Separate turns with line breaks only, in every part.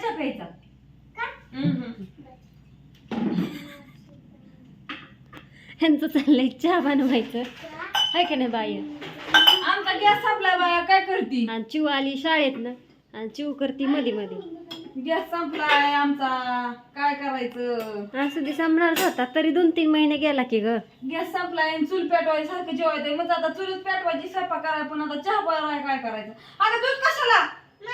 चहा प्यायचा.
ह्यांचं चाललंय चहा बनवायचं आहे का नाही बाई.
आमचा गॅस संपला बाया, काय करती.
आणि चिव आली शाळेतनं आणि चिव करती मध्ये मध्ये.
गॅस संपलाय आमचा, काय करायचं.
असू दे संपणारच होता तरी 2-3 महिने गेला की ग.
गॅस संपलाय आणि चूल पेटवायची सारखं जेवायचं. मग आता चूलच पेटवायची, स्वयंपाक करायला, पण आता चहा बनवायला काय करायचं. अगं दूध कशाला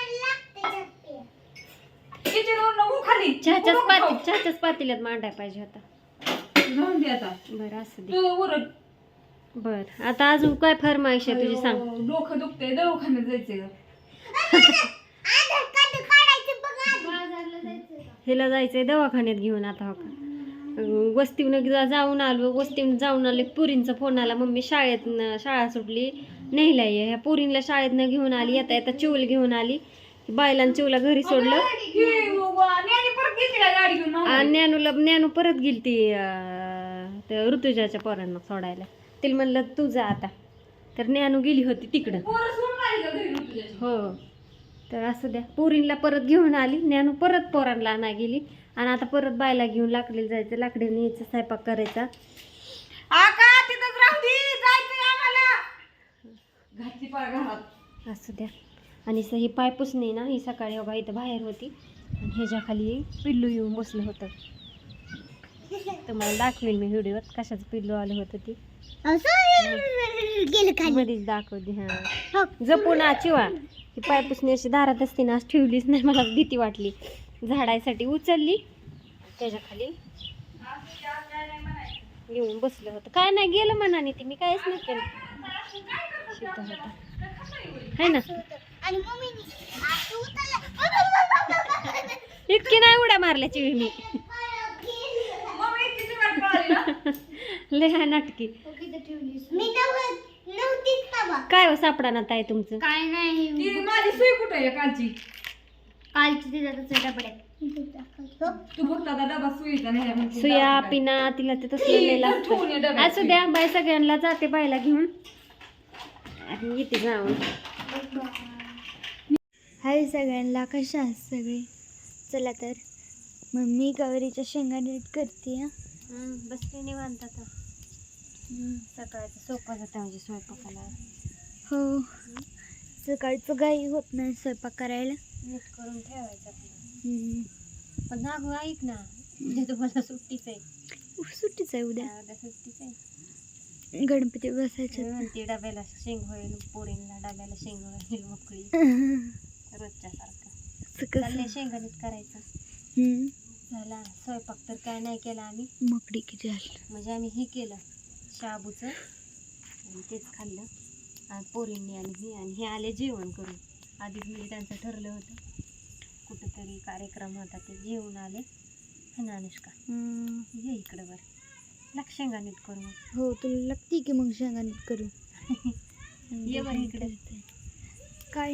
किचनवरून हो खाली.
चहाच्याच पातेल्यात मांडाय पाहिजे होता.
जाऊन दे आता.
बरं असू दे.
तू उरट.
बर आता अजून काय फरमाईश आहे तुझी सांग.
डोकं दुखतंय, दवाखान्यात जायचंय.
हिला जायचंय दवाखान्यात घेऊन आता. हो का वस्तीवनं जाऊन आलो. वस्तीवनं जाऊन आले पुरींचा फोन आला, मम्मी शाळा सुटली नेहला ये. ह्या पुरींला शाळेतनं घेऊन आली. येता येता चिवल घेऊन आली. बायला आणि चिवला घरी सोडलं आणि ज्ञानू परत गेली ती ऋतुजाच्या पोरांना सोडायला. तिला म्हणलं तू जा आता, तर ज्ञानू गेली होती तिकडं. हो तर असू द्या. पुरींला परत घेऊन आली. ज्ञानू परत पोरांना आणा गेली आणि आता परत बायला घेऊन लाकडीला जायचं. लाकडीला न्यायचं, स्वयंपाक करायचा. असू द्या. आणि ही पायपुसणी ना, ही सकाळी बघा इथं बाहेर होती आणि ह्याच्या खाली पिल्लू येऊन बसलं होतं. तुम्हाला दाखवेल मी व्हिडिओत कशाचं पिल्लू आलं होतं ती मध्येच दाखवते. हा जपून चिवा ही पायपुसणी अशी दारात असते ना, ठेवलीच नाही. मला भीती वाटली. झाडायसाठी उचलली, त्याच्या खाली येऊन बसलं होतं. काय नाही गेलं मनाने ती, मी काहीच नाही केलं. शिकत होता है ना. इतकी नाही उड्या मारल्याची मी लय नाटकी. काय हो सापडा ना ताई तुमचं.
काय नाही
माझी सुई कुठे आहे कालची. तू फक्त आता डबा सुईचा नाही.
सुया पिना तिला ते तसलं लागतं. असू द्या बाय सगळ्यांना जाते बायला घेऊन आणि येते जाऊन.
हाय सगळ्यांना, कशा आहात सगळे. चला तर मम्मी गौरीच्या शेंगा नीट करते.
बसते निवांत आता. सकाळचं सोपं जातं म्हणजे स्वयंपाकाला.
हो सकाळचं काही होत नाही स्वयंपाक करायला.
नीट करून ठेवायचं आपलं. पण ना गो ऐक ना, उद्या तुम्हाला सुट्टीच आहे.
सुट्टीच आहे उद्या.
उद्या सुट्टीच आहे.
गणपती बसायचे.
म्हणते डब्याला शेंग होईल, पोरींना डब्याला शेंग होईल मोकळी रोजच्या सारखं चाललंय. शेंगा नीट करायचं. झाला स्वयंपाक तर काय नाही केला आम्ही.
मकडी किती आली
म्हणजे आम्ही हे केलं शाबूचं आणि तेच खाल्लं आणि पोरींनी आणि हे आले जेवण करून. आधीच म्हणजे त्यांचं ठरलं होतं कुठंतरी कार्यक्रम होता, ते जेवण आले. है ना अनुष्का, ये इकडं बरं. लाग शेंगा नीट करू.
हो तुला लागते की मग शेंगा नीट करू.
ये बरं इकडे.
काय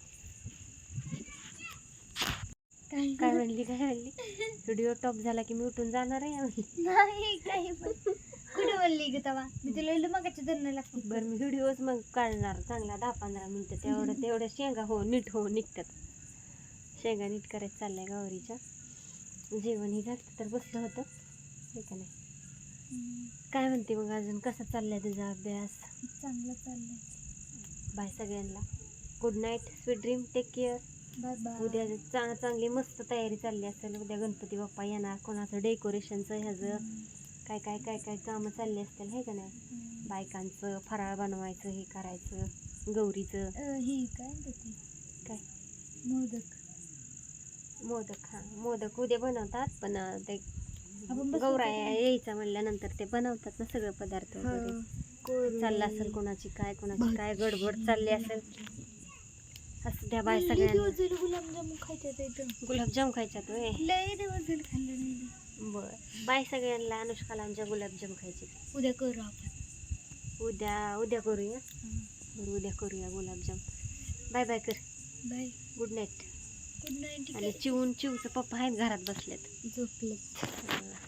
काय म्हणली व्हिडिओ टॉप झाला की मी उठून जाणार आहे.
नाही काही पण कुठे बोलली ग तवा, मी तुला मगाच्या धरणं लागते.
बरं मी व्हिडिओच मग काढणार चांगला 10-15 मिनिटं. तेवढ्या शेंगा नीट निघतात. शेंगा नीट करायचं चाललंय गौरीच्या. जेवण ही घातलं तर बसलं होतं हे का नाही. काय म्हणते मग अजून, कसा चाललाय तुझा अभ्यास.
चांगला चाललाय.
बाय सगळ्यांना. Good night, sweet dream, take care.
Bye bye.
उद्या चांगली मस्त तयारी चालली असेल. उद्या गणपती बाप्पा येणार, कोणाचं डेकोरेशनचं ह्याचं काय काय काय काय कामं चालली असतील हे का नाही. बायकांचं फराळ बनवायचं, हे करायचं, गौरीचं
ही काय देते
काय मोदक. हां मोदक उद्या बनवतात, पण ते गौरा यायचा म्हणल्यानंतर ते बनवतात ना सगळं पदार्थ वगैरे. चाललं असेल कोणाची काय गडबड चालली असेल. असं द्या बाय सगळ्यांना.
गुलाबजामुन खायच्यात.
गुलाबजाम खायच्यात होय.
लय दिवस झाले खाल्लं नाही.
बरं बाय सगळ्यांना. अनुष्काला आमच्या गुलाबजाम खायचे.
उद्या करू आपण.
उद्या करूया. बरं उद्या करूया गुलाबजाम. बाय बाय कर.
Bye.
Good night.
Good night.
आणि चिवचं पप्पा आहेत घरात बसलेत
झोपले.